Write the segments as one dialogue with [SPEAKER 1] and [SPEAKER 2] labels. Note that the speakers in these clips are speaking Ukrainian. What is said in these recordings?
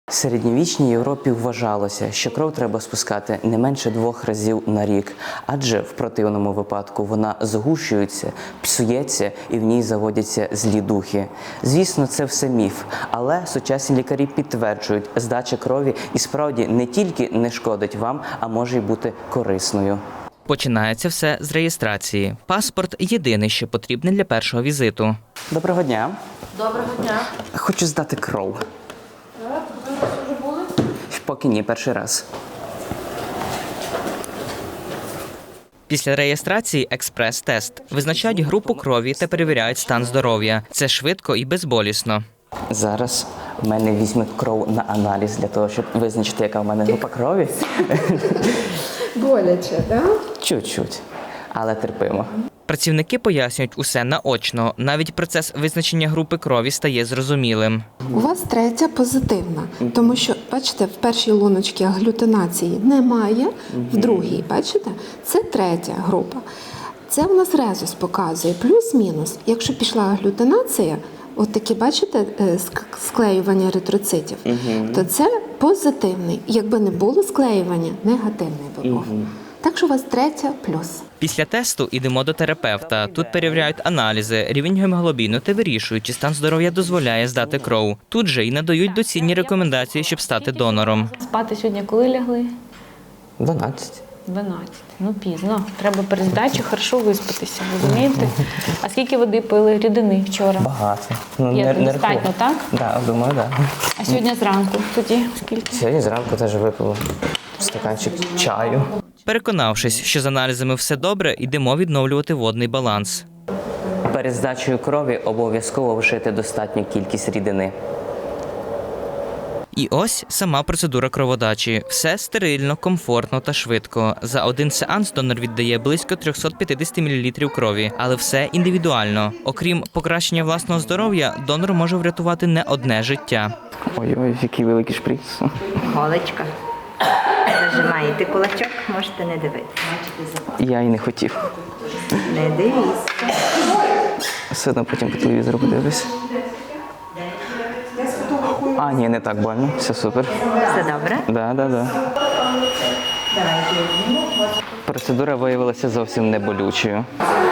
[SPEAKER 1] В середньовічній Європі вважалося, що кров треба спускати не менше 2 разів на рік, адже в противному випадку вона згущується, псується і в ній заводяться злі духи. Звісно, це все міф, але сучасні лікарі підтверджують, здача крові і справді не тільки не шкодить вам, а може й бути корисною.
[SPEAKER 2] Починається все з реєстрації. Паспорт – єдине, що потрібне для першого візиту.
[SPEAKER 1] Доброго дня.
[SPEAKER 3] Доброго дня.
[SPEAKER 1] Хочу здати кров.
[SPEAKER 3] Так, ви вже були?
[SPEAKER 1] Поки ні, перший раз.
[SPEAKER 2] Після реєстрації експрес-тест. Визначають групу крові та перевіряють стан здоров'я. Це швидко і безболісно.
[SPEAKER 1] Зараз в мене візьмуть кров на аналіз для того, щоб визначити, яка в мене група крові.
[SPEAKER 3] Боляче, так?
[SPEAKER 1] Чуть-чуть, але терпимо.
[SPEAKER 2] Працівники пояснюють усе наочно. Навіть процес визначення групи крові стає зрозумілим.
[SPEAKER 4] У вас третя позитивна, тому що, бачите, в першій луночці аглютинації немає, в другій, бачите, це третя група. Це в нас резус показує, плюс-мінус. Якщо пішла аглютинація, от такі, бачите, склеювання еритроцитів, то це позитивний. Якби не було склеювання, негативний би був. Так що у вас третя плюс.
[SPEAKER 2] Після тесту йдемо до терапевта. Тут перевіряють аналізи, рівень гемоглобіну та вирішують, чи стан здоров'я дозволяє здати кров. Тут же й надають доцільні рекомендації, щоб стати донором.
[SPEAKER 5] Спати сьогодні коли лягли?
[SPEAKER 1] 12.
[SPEAKER 5] 12. Ну, пізно. Треба перед здачею хорошо виспатися, розумієте? А скільки води пили, рідини вчора?
[SPEAKER 1] Багато. Ну,
[SPEAKER 5] Є
[SPEAKER 1] не
[SPEAKER 5] достатньо,
[SPEAKER 1] рахую.
[SPEAKER 5] так?
[SPEAKER 1] Так, думаю, так.
[SPEAKER 5] А сьогодні зранку тоді скільки?
[SPEAKER 1] Сьогодні зранку теж випив стаканчик чаю.
[SPEAKER 2] Переконавшись, що з аналізами все добре, йдемо відновлювати водний баланс.
[SPEAKER 1] Перед здачею крові обов'язково вжити достатню кількість рідини.
[SPEAKER 2] І ось сама процедура кроводачі. Все стерильно, комфортно та швидко. За один сеанс донор віддає близько 350 мл крові, але все індивідуально. Окрім покращення власного здоров'я, донор може врятувати не одне життя.
[SPEAKER 1] Ой-ой, який великий шприц.
[SPEAKER 6] Голочка. Зажимаєте кулачок, можете не дивитися.
[SPEAKER 1] Я й не хотів.
[SPEAKER 6] Не дивіться.
[SPEAKER 1] Все одно потім по телевізору подивлюсь. А, ні, не так больно. Все супер.
[SPEAKER 6] Все добре?
[SPEAKER 1] Да. Процедура виявилася зовсім не болючою.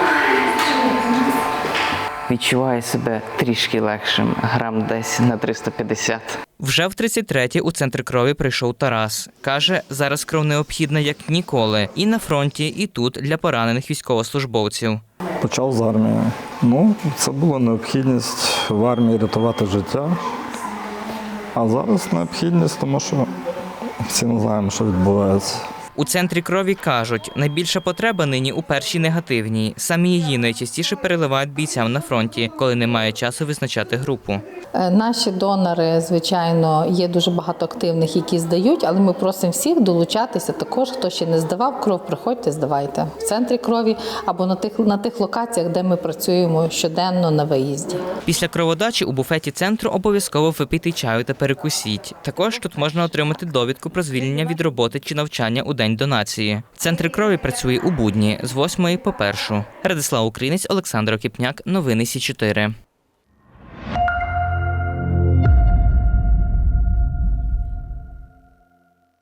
[SPEAKER 1] Відчуваю себе трішки легшим, грам десь на 350.
[SPEAKER 2] Вже в 33-ті у центр крові прийшов Тарас. Каже, зараз кров необхідна як ніколи. І на фронті, і тут для поранених військовослужбовців.
[SPEAKER 7] Почав з армії. Ну, це була необхідність в армії рятувати життя. А зараз необхідність, тому що всі не знаємо, що відбувається.
[SPEAKER 2] У центрі крові кажуть, найбільша потреба нині у першій негативній. Самі її найчастіше переливають бійцям на фронті, коли немає часу визначати групу.
[SPEAKER 8] Наші донори, звичайно, є дуже багато активних, які здають, але ми просимо всіх долучатися також, хто ще не здавав кров, приходьте, здавайте в центрі крові або на тих локаціях, де ми працюємо щоденно на виїзді.
[SPEAKER 2] Після кроводачі у буфеті центру обов'язково випийте чаю та перекусіть. Також тут можна отримати довідку про звільнення від роботи чи навчання у день донації. Центр крові працює у будні з 8 по 1. Радислав Українець, Олександр Окіпняк. Новини Сі 4.